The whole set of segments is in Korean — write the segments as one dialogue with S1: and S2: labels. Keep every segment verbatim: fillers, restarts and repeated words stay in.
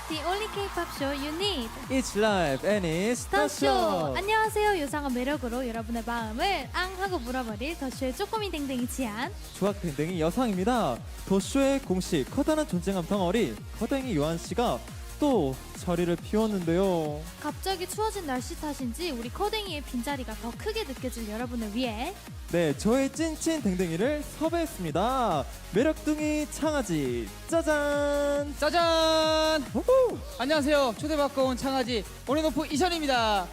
S1: The only K-pop show you need.
S2: It's live and it's the
S1: 더쇼.
S2: show.
S1: 안녕하세요. 요상한 매력으로 여러분의 마음을 앙 하고 물어버릴 더쇼의 쪼꼬미 댕댕이 지안.
S2: 조각 댕댕이 여상입니다. 더쇼의 공식 커다란 존재감 덩어리 커댕이 요한 씨가 또 자리를 비웠는데요.
S1: 갑자기 추워진 날씨 탓인지 우리 커댕이의 빈자리가 더 크게 느껴질 여러분을 위해
S2: 네, 저의 찐친 댕댕이를 섭외했습니다. 매력둥이 창아지 짜잔.
S3: 짜잔!
S2: 우후.
S3: 안녕하세요. 초대받고 온 창아지 오리노프 이션입니다.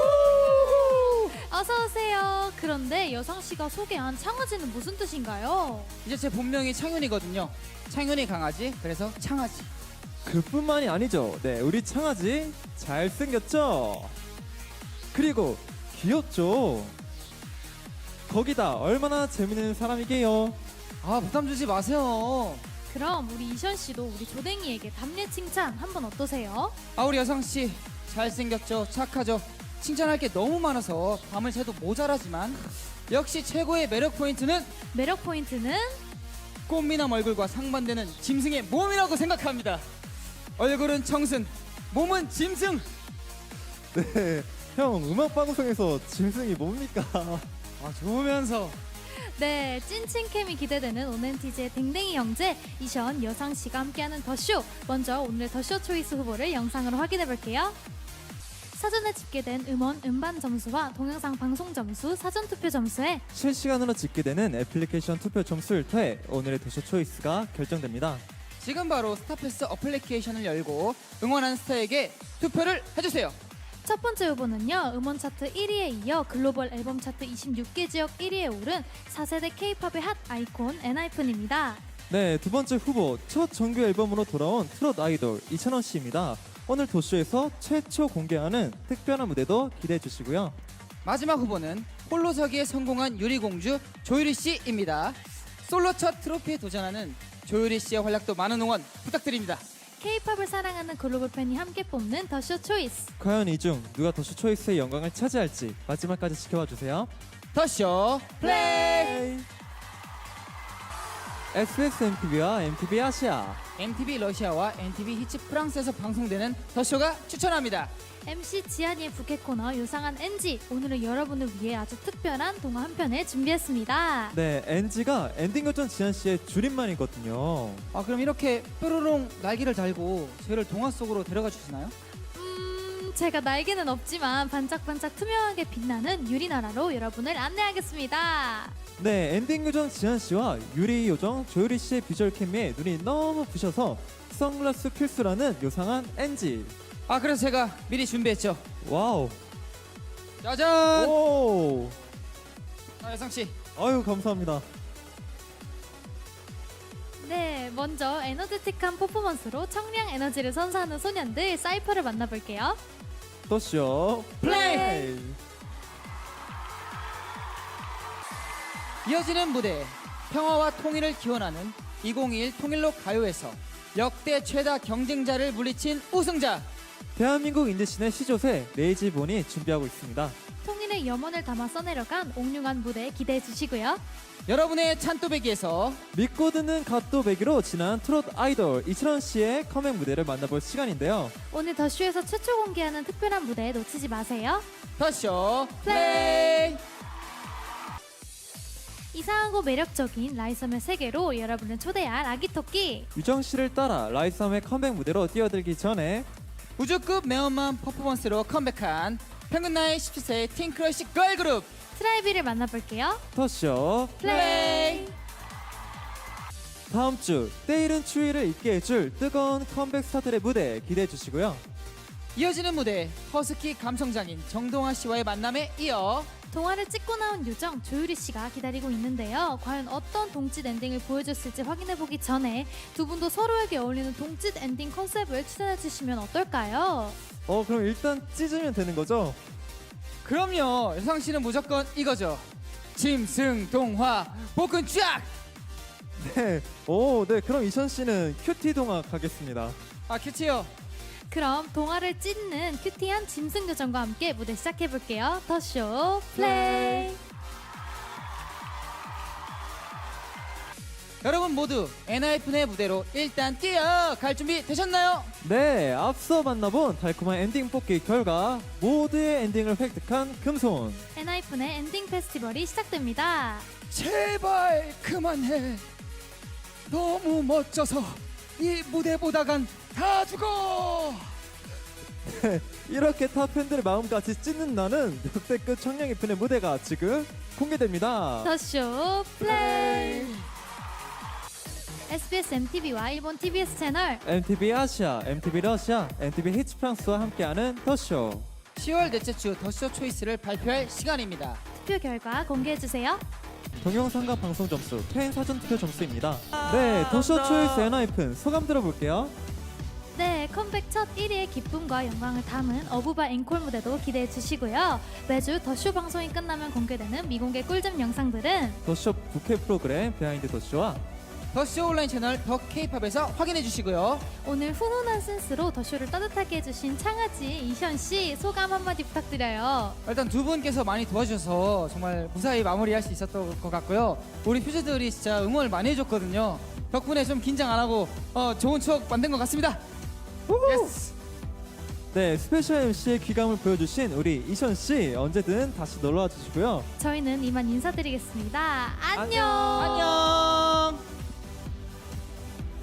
S1: 어서 오세요. 그런데 여상 씨가 소개한 창아지는 무슨 뜻인가요?
S3: 이제 제 본명이 창윤이거든요. 창윤이 강아지, 그래서 창아지.
S2: 그뿐만이 아니죠. 네, 우리 창아지 잘생겼죠? 그리고 귀엽죠? 거기다 얼마나 재밌는 사람이게요.
S3: 아, 부담 주지 마세요.
S1: 그럼 우리 이션 씨도 우리 조댕이에게 답례 칭찬 한번 어떠세요?
S3: 아, 우리 여상씨 잘생겼죠? 착하죠? 칭찬할 게 너무 많아서 밤을 새도 모자라지만 역시 최고의 매력 포인트는
S1: 매력 포인트는
S3: 꽃미남 얼굴과 상반되는 짐승의 몸이라고 생각합니다. 얼굴은 청순, 몸은 짐승.
S2: 네, 형 음악 방송에서 짐승이 뭡니까?
S3: 아, 좋으면서
S1: 네, 찐친캠이 기대되는 온엔티즈의 댕댕이 형제 이션 여상 씨가 함께하는 더쇼. 먼저 오늘 더쇼 초이스 후보를 영상으로 확인해 볼게요. 사전에 집계된 음원 음반 점수와 동영상 방송 점수, 사전 투표 점수에
S2: 실시간으로 집계되는 애플리케이션 투표 점수를 통해 오늘의 더쇼 초이스가 결정됩니다.
S3: 지금 바로 스타패스 어플리케이션을 열고 응원하는 스타에게 투표를 해주세요.
S1: 첫 번째 후보는요, 음원 차트 일 위에 이어 글로벌 앨범 차트 이십육 개 지역 일 위에 오른 사 세대 K-팝의 핫 아이콘 엔하이픈입니다.
S2: 네, 두 번째 후보 첫 정규 앨범으로 돌아온 트롯 아이돌 이찬원 씨입니다. 오늘 도쇼에서 최초 공개하는 특별한 무대도 기대해 주시고요.
S3: 마지막 후보는 홀로서기에 성공한 유리공주 조유리 씨입니다. 솔로 첫 트로피에 도전하는 조유리 씨의 활약도 많은 응원 부탁드립니다.
S1: K-팝을 사랑하는 글로벌 팬이 함께 뽑는 더쇼 초이스.
S2: 과연 이 중 누가 더쇼 초이스의 영광을 차지할지 마지막까지 지켜봐 주세요.
S3: 더쇼 플레이!
S2: 에스비에스 엠티비와 엠티비 아시아,
S3: 엠티비 러시아와 엠티비 히츠 프랑스에서 방송되는 더쇼가 추천합니다.
S1: 엠씨 지한이의 부캐 코너 요상한 엔지. 오늘은 여러분을 위해 아주 특별한 동화 한 편을 준비했습니다.
S2: 네, 엔지가 엔딩 요정 지한 씨의 줄임말이거든요.
S3: 아, 그럼 이렇게 뾰로롱 날개를 달고 저희를 동화 속으로 데려가 주시나요?
S1: 음, 제가 날개는 없지만 반짝반짝 투명하게 빛나는 유리나라로 여러분을 안내하겠습니다.
S2: 네, 엔딩 요정 지한 씨와 유리 요정 조유리 씨의 비주얼 케미에 눈이 너무 부셔서 선글라스 필수라는 요상한 엔지.
S3: 아, 그래서 제가 미리 준비했죠.
S2: 와우.
S3: 짜잔!
S2: 오.
S3: 아, 여상씨.
S2: 아유, 감사합니다.
S1: 네, 먼저 에너제틱한 퍼포먼스로 청량 에너지를 선사하는 소년들 사이퍼를 만나볼게요.
S2: 더쇼
S3: 플레이! 이어지는 무대, 평화와 통일을 기원하는 이천이십일 통일로 가요에서 역대 최다 경쟁자를 물리친 우승자,
S2: 대한민국 인디씬의 시조새 레이지본이 준비하고 있습니다.
S1: 통일의 염원을 담아 써내려간 옥룡한 무대 기대해 주시고요.
S3: 여러분의 찬또배기에서
S2: 믿고 듣는 갓도배기로 지난 트롯 아이돌 이찬원 씨의 컴백 무대를 만나볼 시간인데요.
S1: 오늘 더쇼에서 최초 공개하는 특별한 무대 놓치지 마세요.
S3: 더쇼 플레이!
S1: 이상하고 매력적인 라이섬의 세계로 여러분을 초대할 아기토끼.
S2: 유정 씨를 따라 라이썸의 컴백 무대로 뛰어들기 전에
S3: 우주급 매운맛 퍼포먼스로 컴백한 평균 나이 십칠 세의 틴크러쉬 걸그룹
S1: 트라이비를 만나볼게요.
S2: 더쇼
S3: 플레이!
S2: 다음 주 때이른 추위를 잊게 해줄 뜨거운 컴백 스타들의 무대 기대해 주시고요.
S3: 이어지는 무대, 허스키 감성장인 정동아 씨와의 만남에 이어
S1: 동화를 찍고 나온 요정 조유리 씨가 기다리고 있는데요. 과연 어떤 동짓 엔딩을 보여줬을지 확인해보기 전에 두 분도 서로에게 어울리는 동짓 엔딩 컨셉을 추천해주시면 어떨까요?
S2: 어, 그럼 일단 찢으면 되는 거죠?
S3: 그럼요. 여상 씨는 무조건 이거죠. 짐승 동화 복근 쫙!
S2: 네. 오, 네. 그럼 이천 씨는 큐티 동화 가겠습니다.
S3: 아, 큐티요.
S1: 그럼 동화를 찢는 큐티한 짐승 요정과 함께 무대 시작해볼게요. 더쇼 플레이!
S3: 여러분 모두 엔하이픈의 무대로 일단 뛰어갈 준비 되셨나요?
S2: 네, 앞서 만나본 달콤한 엔딩 뽑기 결과 모두의 엔딩을 획득한 금손.
S1: 엔하이픈의 엔딩 페스티벌이 시작됩니다.
S3: 제발 그만해. 너무 멋져서 이 무대 보다간 다 죽어.
S2: 이렇게 타 팬들의 마음까지 찢는 나는 역대급 청량이픈의 무대가 지금 공개됩니다.
S1: 더쇼 플레이. 에스비에스 엠티비와 일본 티비에스 채널
S2: 엠티비 아시아, 엠티비 러시아, 엠티비 히츠 프랑스와 함께하는 더쇼.
S3: 시월 넷째 주 더쇼 초이스를 발표할 시간입니다.
S1: 투표 결과 공개해주세요.
S2: 동영상과 방송 점수, 팬 사전 투표 점수입니다. 네, 더쇼 초이스 엔하이픈 소감 들어볼게요.
S1: 네, 컴백 첫 일 위의 기쁨과 영광을 담은 어부바 앵콜 무대도 기대해 주시고요. 매주 더쇼 방송이 끝나면 공개되는 미공개 꿀잼 영상들은
S2: 더쇼 부캐 프로그램 비하인드 더쇼와
S3: 더쇼 온라인 채널 더 케이팝에서 확인해 주시고요.
S1: 오늘 훈훈한 센스로 더쇼를 따뜻하게 해주신 창아지 이현 씨 소감 한마디 부탁드려요.
S3: 일단 두 분께서 많이 도와주셔서 정말 무사히 마무리할 수 있었던 것 같고요. 우리 퓨즈들이 진짜 응원을 많이 해줬거든요. 덕분에 좀 긴장 안 하고 어, 좋은 추억 만든 것 같습니다. 예스.
S2: 네, 스페셜 엠씨의 귀감을 보여주신 우리 이션 씨 언제든 다시 놀러와 주시고요.
S1: 저희는 이만 인사드리겠습니다. 안녕.
S3: 안녕.